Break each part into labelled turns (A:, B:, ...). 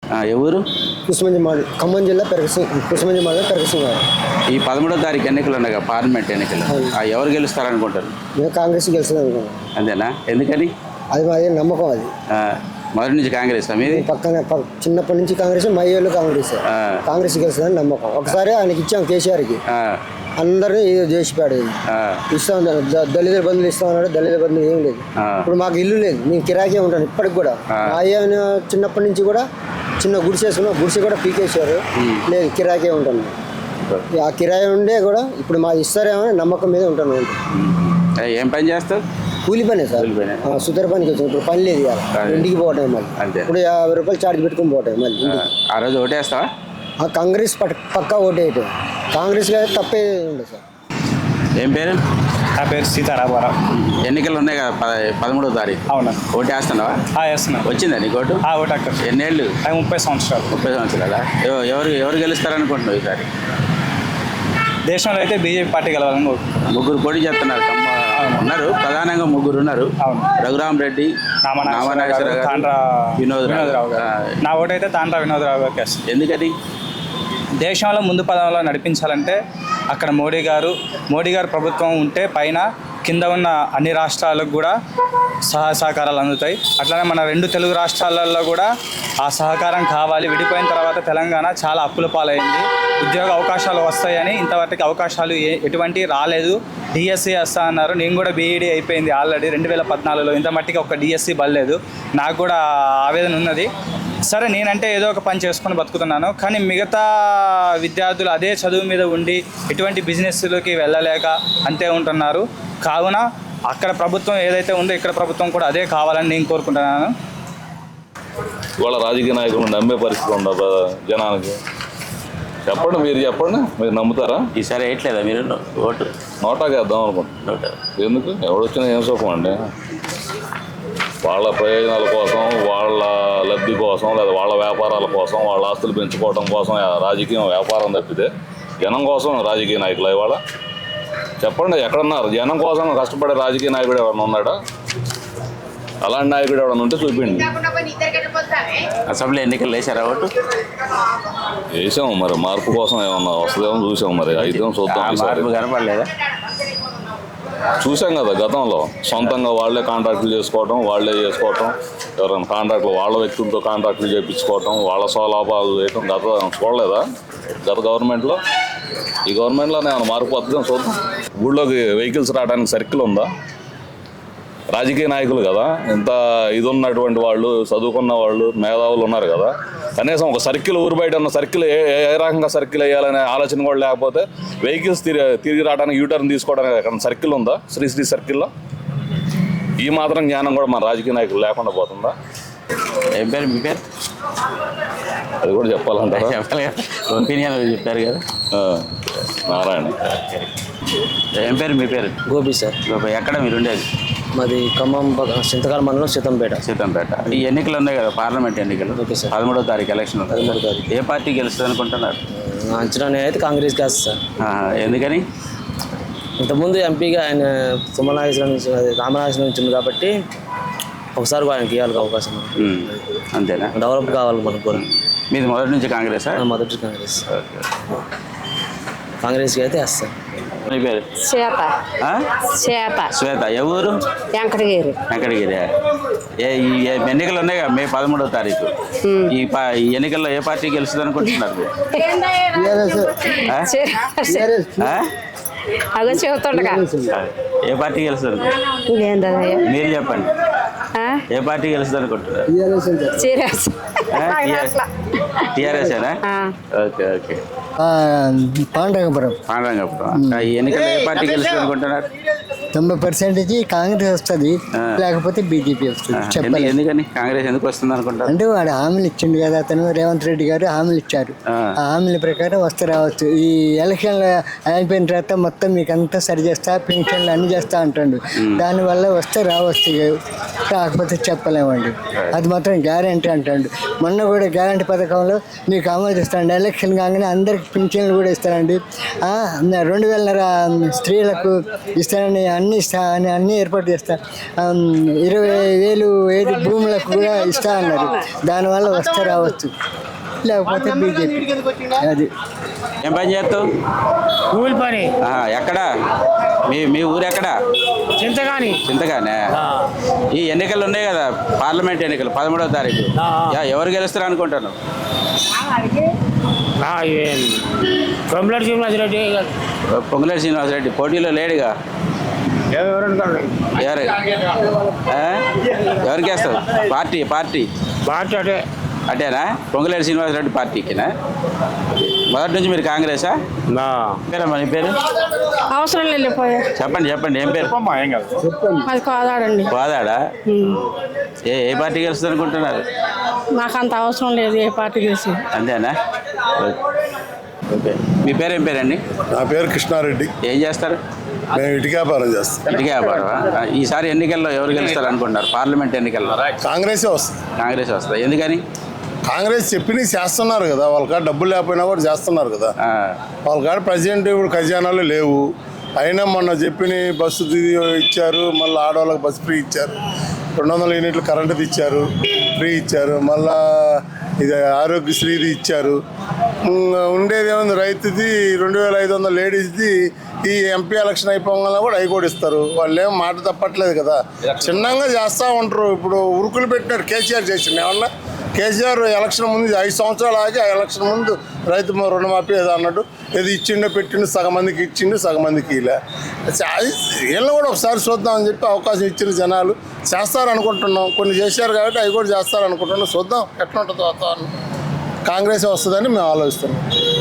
A: ఎవరు?
B: కుసుమంజి మాది ఖమ్మం జిల్లా కుసుమంజి మాది పెరగసింగ్ గారు.
A: ఈ 13వ తారీఖు ఎన్నికలు ఉన్నాయి, పార్లమెంట్ ఎన్నికలు. ఎవరు గెలుస్తారనుకుంటారు?
B: మేము కాంగ్రెస్ గెలుస్తుంది అనుకున్నాం.
A: అంతేనా? ఎందుకని?
B: అది మాది నమ్మకం. అది
A: మొదటి నుంచి కాంగ్రెస్ మీది?
B: పక్కన చిన్నప్పటి నుంచి కాంగ్రెస్, మా ఏళ్ళు కాంగ్రెస్ గెలుస్తుందని నమ్మకం. ఒకసారి ఆయనకి ఇచ్చాం కేసీఆర్కి, అందరినీ చేసిపాడు. ఇస్తాం, దళితుల బంధువులు ఇస్తామన్నాడు. దళితుల బంధువులు ఏం లేదు. ఇప్పుడు మాకు ఇల్లు లేదు, మేము కిరాయికే ఉంటాను ఇప్పటికి కూడా. మా అయ్య చిన్నప్పటి నుంచి కూడా చిన్న గుడిసె వేసుకున్నాం, గుడిసె కూడా పీకేసారు. లేదు, కిరాయికే ఉంటాను. ఆ కిరాయి ఉండే కూడా ఇప్పుడు మాకు ఇస్తారేమో నమ్మకం మీద ఉంటాను.
A: ఏం పని చేస్తావు?
B: కూలి పనే సార్, సుతర పనికి వచ్చింది. ఇప్పుడు పని లేదు, ఇంటికి పోవటం. మళ్ళీ ఇప్పుడు 50 రూపాయలు చార్జ్ పెట్టుకుని పోవటం. మళ్ళీ
A: ఆ రోజు ఓటేస్తావా?
B: కాంగ్రెస్ పక్కా ఓటేయటం. కాంగ్రెస్ తప్పే ఉండదు సార్.
A: ఏం పేరు?
C: నా పేరు సీతారామారావు.
A: ఎన్నికలు ఉన్నాయి కదా 13వ తారీఖు.
C: అవునా?
A: ఓటేస్తున్నావా?
C: వేస్తున్నా.
A: వచ్చిందా నీకు ఓటు?
C: ఓటు అక్కడ.
A: ఎన్నేళ్ళు?
C: 30 సంవత్సరాలు.
A: 30 సంవత్సరాలా? ఎవరు గెలుస్తారనుకుంటున్నావు ఈసారి?
C: దేశంలో అయితే బీజేపీ పార్టీ గెలవాలని
A: ముగ్గురు పోటీ చేస్తున్నారు. ఉన్నారు, ప్రధానంగా ముగ్గురు ఉన్నారు. రఘురామ్ రెడ్డి, వినోదరావు గారు.
C: నా ఓటు అయితే తాండ్రా వినోదరావు గారికి వేస్తుంది.
A: ఎందుకని?
C: దేశంలో ముందు పదంలో నడిపించాలంటే అక్కడ మోడీ గారు ప్రభుత్వం ఉంటే పైన కింద ఉన్న అన్ని రాష్ట్రాలకు కూడా సహకారాలు అందుతాయి. అట్లనే మన 2 తెలుగు రాష్ట్రాలలో కూడా ఆ సహకారం కావాలి. విడిపోయిన తర్వాత తెలంగాణ చాలా అప్పుల పాలైంది. ఉద్యోగ అవకాశాలు వస్తాయని ఇంతవరకు అవకాశాలు ఎటువంటి రాలేదు. డిఎస్సి వస్తా అన్నారు. నేను కూడా బీఈడీ అయిపోయింది ఆల్రెడీ 2014లో. ఇంత మట్టికి ఒక డిఎస్సి బలేదు. నాకు కూడా ఆవేదన ఉన్నది. సరే, నేనంటే ఏదో ఒక పని చేసుకొని బతుకుతున్నాను, కానీ మిగతా విద్యార్థులు అదే చదువు మీద ఉండి ఎటువంటి బిజినెస్లోకి వెళ్ళలేక అంతే ఉంటున్నారు. కావున అక్కడ ప్రభుత్వం ఏదైతే ఉందో ఇక్కడ ప్రభుత్వం కూడా అదే కావాలని నేను కోరుకుంటున్నాను.
D: ఇవాళ రాజకీయ నాయకులను నమ్మే పరిస్థితి ఉండదు జనానికి. చెప్పండి, మీరు చెప్పండి, మీరు నమ్ముతారా?
A: ఈసారి వేయట్లేదా మీరు ఓటు?
D: నోటాకి వేద్దాం అనుకుంటున్నాను. ఎందుకు? ఎవడొచ్చినా ఏం సుఖం అండి? వాళ్ళ ప్రయోజనాల కోసం, వాళ్ళ లబ్ధి కోసం, లేదా వాళ్ళ వ్యాపారాల కోసం, వాళ్ళ ఆస్తులు పెంచుకోవడం కోసం రాజకీయం వ్యాపారం తప్పితే జనం కోసం రాజకీయ నాయకులు ఇవాళ చెప్పండి, ఎక్కడున్నారు? జనం కోసం కష్టపడే రాజకీయ నాయకుడు ఎవరైనా ఉన్నాడా? అలాంటి నాయకుడు ఎవరైనా ఉంటే చూపించండి.
A: అసెంబ్లీ ఎన్నికలు వేసారా ఓటు?
D: వేసాము, మరి మార్పు కోసం ఏమన్నా వస్తుందేమో చూసాము. మరి అయితే చూద్దాం.
A: కనపడలేదా?
D: చూసాం కదా గతంలో. సొంతంగా వాళ్ళే కాంట్రాక్టులు చేసుకోవటం, వాళ్ళే చేసుకోవటం, ఎవరైనా కాంట్రాక్టులు వాళ్ళ వ్యక్తులతో కాంట్రాక్టులు చేయించుకోవటం, వాళ్ళ స్వలాభాలు చేయటం చూడలేదా గత గవర్నమెంట్లో? ఈ గవర్నమెంట్లోనే ఏమైనా మార్పు వస్తుందో చూద్దాం. ఊళ్ళోకి వెహికల్స్ రావడానికి సర్కిల్ ఉందా? రాజకీయ నాయకులు కదా, ఇంత ఇది ఉన్నటువంటి వాళ్ళు, చదువుకున్న వాళ్ళు, మేధావులు ఉన్నారు కదా, కనీసం ఒక సర్కిల్, ఊరు బయట ఉన్న సర్కిల్ ఏ రకంగా సర్కిల్ వేయాలనే ఆలోచన కూడా లేకపోతే వెహికల్స్ తిరిగి రావడానికి యూటర్న్ తీసుకోవడానికి ఎక్కడ సర్కిల్ ఉందా? శ్రీశ్రీ సర్కిల్లో ఈ మాత్రం జ్ఞానం కూడా మన రాజకీయ నాయకులు లేకుండా పోతుందా?
A: ఏం పేరు మీ పేరు?
D: అది కూడా చెప్పాలంటారా?
A: ఒపీనియన్ చెప్పారు కదా.
D: నారాయణ.
A: ఏం పేరు మీ పేరు?
B: గోపి సార్.
A: గోపి. ఎక్కడ మీరు ఉండేది?
B: మాది ఖమ్మం చింతకాల మండలం సీతంపేట.
A: ఈ ఎన్నికలు ఉన్నాయి కదా, పార్లమెంట్ ఎన్నికలు. 13వ తారీఖు ఎలక్షన్.
B: 13వ తారీఖు.
A: ఏ పార్టీ గెలుస్తుంది అనుకుంటున్నారు?
B: అంచనా అయితే కాంగ్రెస్ గెలుస్తుంది సార్.
A: ఎందుకని?
B: ఇంతకుముందు ఎంపీగా ఆయన తుమ్మనాగేశ్వరం నుంచి, రామనాగేశ్వరం నుంచి ఉంది కాబట్టి ఒకసారి ఆయనకి ఇవ్వాలి అవకాశం.
A: అంతేనా?
B: డెవలప్ కావాలి మనకు కూడా.
A: మీది మొదటి నుంచి కాంగ్రెస్?
B: మొదటి కాంగ్రెస్. కాంగ్రెస్కి అయితే వేస్తాం.
A: మీ పేరు? శ్వేత. ఎవరు?
E: వెంకటగిరి.
A: ఈ ఎన్నికలు ఉన్నాయి కదా, మే 13వ తారీఖు. ఈ ఎన్నికల్లో ఏ పార్టీ గెలుస్తుంది అనుకుంటున్నారు?
E: అదో చెబుతుండగా
A: ఏ పార్టీ గెలుస్తుంది? మీరు చెప్పండి, ఏ పార్టీ గెలుస్తుంది అనుకుంటున్నారు? టీఆర్ఎస్ఏనా? ఓకే.
B: పాండరంగపురం.
A: ఈ ఎన్నికల్లో ఏ పార్టీ గెలుస్తుంది అనుకుంటున్నారు?
B: 90% కాంగ్రెస్ వస్తుంది, లేకపోతే బీజేపీ వస్తుంది.
A: ఎందుకని కాంగ్రెస్ ఎందుకు వస్తుంది అనుకుంటారు?
B: అంటే వాడు హామీలు ఇచ్చిండు కదా, అతను రేవంత్ రెడ్డి గారు హామీలు ఇచ్చారు. ఆ హామీల ప్రకారం వస్తే రావచ్చు. ఈ ఎలక్షన్లు అయిపోయిన తర్వాత మొత్తం మీకు అంతా సరి చేస్తా, పెన్షన్లు అన్ని చేస్తా అంటాడు. దానివల్ల వస్తే రావచ్చు, కాకపోతే చెప్పలేమండి. అది మాత్రం గ్యారంటీ అంటాడు. మొన్న కూడా గ్యారంటీ పథకంలో మీకు అమలు చేస్తాండి. ఎలక్షన్ కాగానే అందరికి పింఛన్లు కూడా ఇస్తారండి. 2000 స్త్రీలకు ఇస్తారని అన్ని అన్ని ఇస్తా అని అన్ని ఏర్పాటు చేస్తా 20,000 ఏది భూములకు కూడా ఇస్తా అన్నారు. దానివల్ల వస్తే రావచ్చు, లేకపోతే బీజేపీ. అది
A: ఏం పని చేస్తావు?
F: కూలి పని.
A: ఎక్కడ మీ ఊరు ఎక్కడ? చింతగానే. ఈ ఎన్నికలు ఉన్నాయి కదా, పార్లమెంట్ ఎన్నికలు 13వ తారీఖు. ఎవరు గెలుస్తారు అనుకుంటాను? పొంగులేటి శ్రీనివాసరెడ్డి పోటీలో లేడుగా. ఎవరికి వేస్తారు? పార్టీ అటేనా? పొంగులేటి శ్రీనివాసరెడ్డి పార్టీకినా? మొదటి నుంచి మీరు కాంగ్రెసా? పేరమ్మా నీ పేరు?
E: అవసరం లేదు.
A: చెప్పండి ఏం పేరు?
E: అది కోదాడండి.
A: కోదాడా? ఏ పార్టీ గెలుస్తుంది అనుకుంటున్నారు?
E: నాకు అంత అవసరం లేదు ఏ పార్టీ గెలిచి.
A: అంతేనా? ఓకే. మీ పేరు ఏం పేరండి?
G: నా పేరు కృష్ణారెడ్డి.
A: ఏం చేస్తారు?
G: మేము ఇటుక వ్యాపారం చేస్తాం.
A: ఇటుక వ్యాపారం. ఈసారి ఎన్నికల్లో ఎవరు గెలుస్తారు అనుకుంటున్నారు? పార్లమెంట్ ఎన్నికల్లో
G: కాంగ్రెసే వస్తుంది.
A: కాంగ్రెస్ వస్తుంది. ఎందుకని?
G: కాంగ్రెస్ చెప్పి చేస్తున్నారు కదా, వాళ్ళకాడ డబ్బులు లేకపోయినా కూడా చేస్తున్నారు కదా. వాళ్ళకాడ ప్రజెంట్ ఇప్పుడు ఖజానాలు లేవు. అయినా మొన్న చెప్పిన బస్సు ఇచ్చారు, మళ్ళీ ఆడవాళ్ళకి బస్సు ఫ్రీ ఇచ్చారు, 200 యూనిట్లు కరెంటుది ఇచ్చారు, ఫ్రీ ఇచ్చారు, మళ్ళా ఇది ఆరోగ్యశ్రీది ఇచ్చారు. ఉండేది ఏముంది, రైతుది 2,500 లేడీస్ది ఈ ఎంపీ ఎలక్షన్ అయిపోగానే కూడా అవి కూడా ఇస్తారు. వాళ్ళు ఏం మాట తప్పట్లేదు కదా, చిన్నగా చేస్తూ ఉంటారు. ఇప్పుడు ఉరుకులు పెట్టినారు, కేసీఆర్ చేసిండు ఏమన్నా. కేసీఆర్ ఎలక్షన్ ముందు 5 సంవత్సరాలు ఆగి ఆ ఎలక్షన్ ముందు రైతు రుణమాఫీ ఏదో అన్నట్టు ఏది ఇచ్చిండో పెట్టిండు, సగం మందికి ఇచ్చిండు, సగం మందికి ఇలా. వీళ్ళని కూడా ఒకసారి చూద్దామని చెప్పి అవకాశం ఇచ్చిన జనాలు చేస్తారనుకుంటున్నాం. కొన్ని చేశారు కాబట్టి అవి కూడా చేస్తారనుకుంటున్నాం. చూద్దాం ఎట్లా ఉంటుందో వాతావరణం. కాంగ్రెస్ వస్తుందని మేము ఆలోచిస్తున్నాం.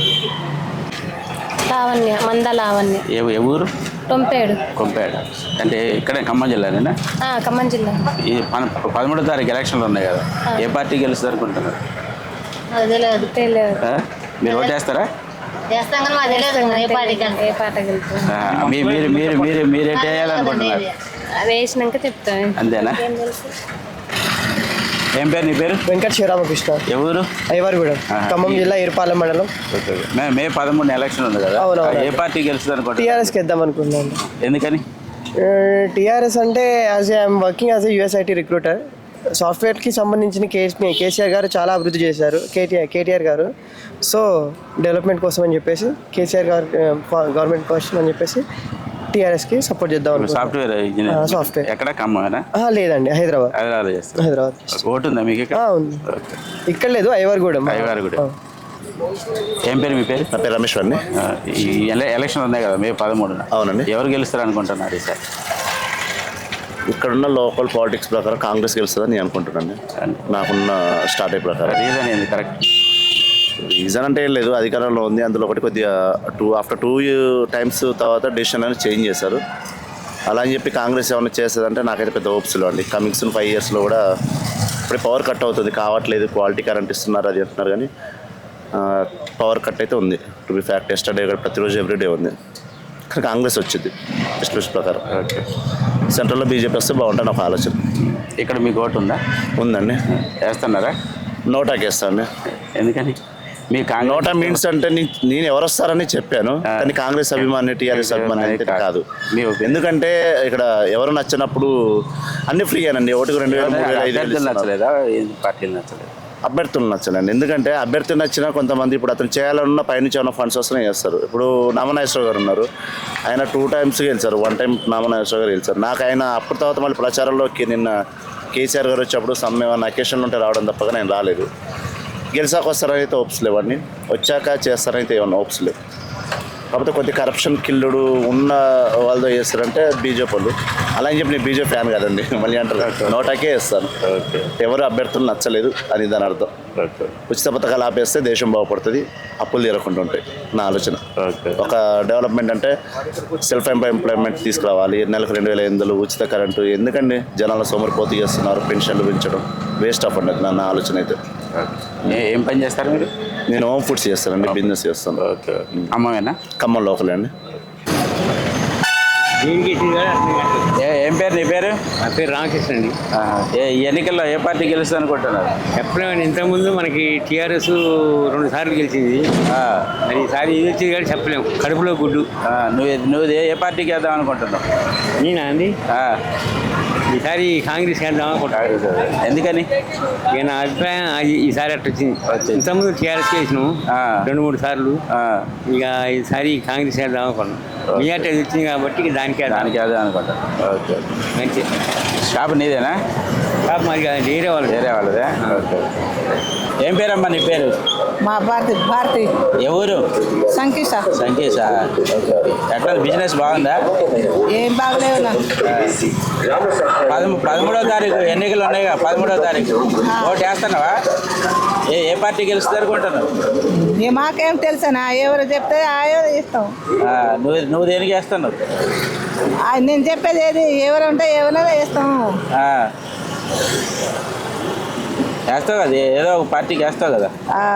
E: లావణ్య.
A: ఏ ఊరు? కొంపేడు అంటే ఇక్కడే ఖమ్మం జిల్లానేనా?
E: ఖమ్మం జిల్లా.
A: ఈ 13వ తారీఖు ఎలక్షన్లు ఉన్నాయి కదా, ఏ పార్టీ గెలుస్తారు అనుకుంటున్నారు? మీరు ఓటు వేస్తారా? మీరేంటి వేయాలనుకుంటున్నారు?
E: వేసినాక చెప్తాను.
A: అంతేనా? ఏం పేరు నీ పేరు?
B: వెంకట శివరామకృష్ణ.
A: ఎవరు?
B: అయ్యవారిగూడెం, ఖమ్మం జిల్లా ఇరుపాలెం మండలం.
A: మే 13 ఎలక్షన్ ఉంది కదా, ఏ పార్టీ గెలుస్తుంది అనుకుంటున్నారు?
B: టీఆర్ఎస్కి వేద్దాం అనుకున్నాను.
A: ఎందుకని?
B: టీఆర్ఎస్ అంటే I'm working as a US IT recruiter. సాఫ్ట్వేర్కి సంబంధించిన కేసీఆర్ గారు చాలా అభివృద్ధి చేశారు, కేటీఆర్ గారు. సో డెవలప్మెంట్ కోసం అని చెప్పేసి కేసీఆర్ గారు గవర్నమెంట్ కోసం అని చెప్పేసి టీఆర్ఎస్కి సపోర్ట్ చేద్దాం.
A: Software engineer.
B: సాఫ్ట్వేర్
A: ఎక్కడ? ఖమ్మమేనా?
B: లేదండి, హైదరాబాద్. హైదరాబాద్.
A: ఓటు ఉందా మీకు ఇక్కడ?
B: ఉంది. ఇక్కడ లేదు, అయ్యవారిగూడెం.
A: ఏం పేరు మీ పేరు?
H: నా పేరు రమేష్ అండి.
A: ఈ ఎలక్షన్ ఉన్నాయి కదా మే 13న.
H: అవునండి.
A: ఎవరు గెలుస్తారు అనుకుంటున్నారు ఈసారి?
H: ఇక్కడున్న లోకల్ పాలిటిక్స్ ప్రకారం కాంగ్రెస్ గెలుస్తుందని నేను అనుకుంటున్నాను. నాకున్న స్టార్ట్ అయ్యే ప్రకారం.
A: రీజన్ ఏంది? కరెక్ట్
H: రీజన్ అంటే ఏం లేదు, అధికారంలో ఉంది. అందులో ఒకటి కొద్దిగా ఆఫ్టర్ 2 టైమ్స్ తర్వాత డెసిషన్ అనేది చేంజ్ చేశారు. అలా అని చెప్పి కాంగ్రెస్ ఏమైనా చేస్తుందంటే నాకైతే పెద్ద హోప్స్లో అండి. కమింగ్ సూన్ 5 ఇయర్స్లో కూడా ఇప్పుడే పవర్ కట్ అవుతుంది, కావట్లేదు, క్వాలిటీ కరెంట్ ఇస్తున్నారు అది అంటున్నారు, కానీ పవర్ కట్ అయితే ఉంది. టు బి ఫ్యాక్ట్ ఎస్టర్డే కూడా ప్రతిరోజు ఎవ్రీడే ఉంది. కానీ కాంగ్రెస్ వచ్చింది ఎస్టిమేషన్ ప్రకారం. సెంట్రల్లో బీజేపీ వస్తే బాగుంటుంది ఒక ఆలోచన.
A: ఇక్కడ మీకు ఓటు ఉందా?
H: ఉందండి.
A: వేస్తున్నారా?
H: నోటాకి వేస్తాను.
A: ఎందుకని? మీ
H: నోటా మీన్స్ అంటే నేను ఎవరు వస్తారని చెప్పాను, కానీ కాంగ్రెస్ అభిమాని టీఆర్ఎస్ అభిమాని అయితే కాదు. ఎందుకంటే ఇక్కడ ఎవరు నచ్చినప్పుడు అన్ని ఫ్రీ అనండి. ఒకటికి 2,000
A: నచ్చలేదా? పార్టీలు నచ్చలేదు,
H: అభ్యర్థులు నచ్చలేండి. ఎందుకంటే అభ్యర్థి నచ్చినా కొంతమంది ఇప్పుడు అతను చేయాలన్నా పైనుంచి ఏమైనా ఫండ్స్ వస్తున్నాయి చేస్తారు. ఇప్పుడు నామనాగేశ్వరరావు గారు ఉన్నారు, ఆయన 2 టైమ్స్ గెలిచారు, 1 టైం నామనాగేశ్వరరావు గారు గెలిచారు. నాకు ఆయన అప్పుడు తర్వాత మళ్ళీ ప్రచారంలోకి నిన్న కేసీఆర్ గారు వచ్చేప్పుడు ఏమైనా అకేషన్లు ఉంటే రావడం తప్పగా నేను రాలేదు. గెలిచాక వస్తారని అయితే హోప్స్ లేవండి, వచ్చాక చేస్తారనైతే ఏమన్నా హోప్స్ లేవు. కాకపోతే కొద్ది కరప్షన్ కిల్లుడు ఉన్న వాళ్ళతో చేస్తారంటే బీజేపీ వాళ్ళు. అలా అని చెప్పి నేను బీజేపీ ఫ్యాన్ కదండి, మళ్ళీ అంటారు. నోటాకే వేస్తాను. ఎవరు అభ్యర్థులు నచ్చలేదు అని దాని అర్థం. ఉచిత పథకాలు ఆపేస్తే దేశం బాగుపడుతుంది, అప్పులు తీరకుండా ఉంటాయి నా ఆలోచన. ఒక డెవలప్మెంట్ అంటే సెల్ఫ్ ఎంప్లాయ్మెంట్ తీసుకురావాలి, నెలకు 2,500 ఉచిత కరెంటు. ఎందుకండి జనాల సోమరిపోతు చేస్తున్నారు, పెన్షన్లు పెంచడం వేస్ట్ ఆఫ్ అండి నా ఆలోచన అయితే.
A: ఏం పని చేస్తారు మీరు?
H: నేను హోమ్ ఫుడ్స్ చేస్తానండి, బిజినెస్ చేస్తాను.
A: ఖమ్మమేనా?
H: ఖమ్మం లోకలే అండి.
A: ఏ ఏం పేరు నీ పేరు?
F: నా పేరు రామకృష్ణ అండి.
A: ఈ ఎన్నికల్లో ఏ పార్టీ గెలుస్తుంది అనుకుంటున్నారు?
F: చెప్పలేమండి. ఇంతకుముందు మనకి టీఆర్ఎస్ 2 సార్లు గెలిచింది. మరి ఈసారి ఇది వచ్చింది కానీ చెప్పలేము. కడుపులో గుడ్డు.
A: నువ్వు ఏ పార్టీకి వేద్దాం అనుకుంటున్నావు?
F: నేనా అండి? ఈసారి కాంగ్రెస్ వేద్దాం అనుకుంటున్నాను.
A: ఎందుకని?
F: ఇక నా అభిప్రాయం ఈసారి అట్లా వచ్చింది. ఇంతకుముందు టీఆర్ఎస్ చేసినాము 2-3 సార్లు. ఇక ఈసారి కాంగ్రెస్ వేద్దాం అనుకున్నాం. మీ అట్లా వచ్చింది కాబట్టి ఇక దానికి
A: వేద్దాం అనుకుంటాను. ఓకే,
F: మంచి
A: షాప్ నీదేనా?
F: షాప్ మాది కాదండి, వేరే
A: వాళ్ళదే. ఓకే. ఏం పేరమ్మా నీ పేరు?
I: మా భారతి
A: ఎవరు?
I: సంకీష.
A: సంకేశా? ఎట్లా బిజినెస్ బాగుందా?
I: ఏం బాగలేవు నాకు.
A: 13వ తారీఖు ఎన్నికలు ఉన్నాయిగా, 13వ తారీఖు ఓటు వేస్తున్నావా? ఏ పార్టీ గెలుస్తుంది అనుకుంటున్నావు?
I: మాకేం తెలుసనా, ఎవరు చెప్తే ఆయో ఇస్తాం.
A: నువ్వు దేనికి వేస్తున్నావు?
I: నేను చెప్పేది ఏది, ఎవరు ఉంటే ఎవరైనా వేస్తాం.
A: వేస్తావు కదా, ఏదో ఒక పార్టీకి వేస్తావు కదా.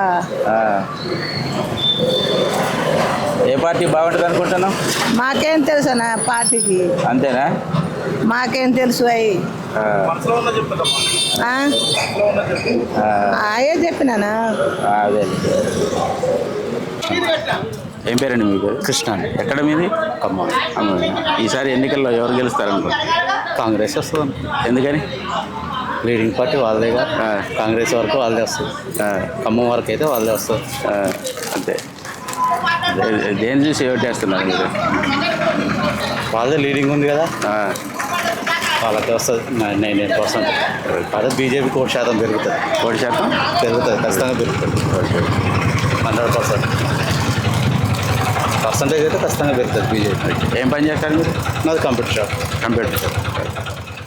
A: ఏ పార్టీ బాగుంటుంది అనుకుంటున్నావు?
I: మాకేం తెలుసనా పార్టీకి.
A: అంతేనా?
I: మాకేం తెలుసు అవి ఆయే చెప్పినానా.
A: అదే. ఏం పేరండి మీ పేరు?
C: కృష్ణ అండి.
A: ఎక్కడ మీది?
C: ఖమ్మం.
A: ఈసారి ఎన్నికల్లో ఎవరు గెలుస్తారనుకో?
C: కాంగ్రెస్ వస్తుంది.
A: ఎందుకని?
C: Leading party వాళ్ళదేగా. కాంగ్రెస్ వరకు వాళ్ళదే వస్తుంది. ఖమ్మం వరకు అయితే వాళ్ళదే వస్తుంది.
A: అంతే. దేని చూసి ఓటు వేస్తున్నారు మీరు?
C: వాళ్ళదే లీడింగ్ ఉంది కదా, వాళ్ళకే వస్తుంది 99%. అదే బీజేపీకి 1% పెరుగుతుంది.
A: 1%
C: పెరుగుతుంది, ఖచ్చితంగా పెరుగుతుంది. 100%. పర్సంటేజ్ అయితే ఖచ్చితంగా పెరుగుతుంది బీజేపీ.
A: ఏం పని చేస్తారు మీరు?
C: నాది కంప్యూటర్ షాప్.
A: Computer shop.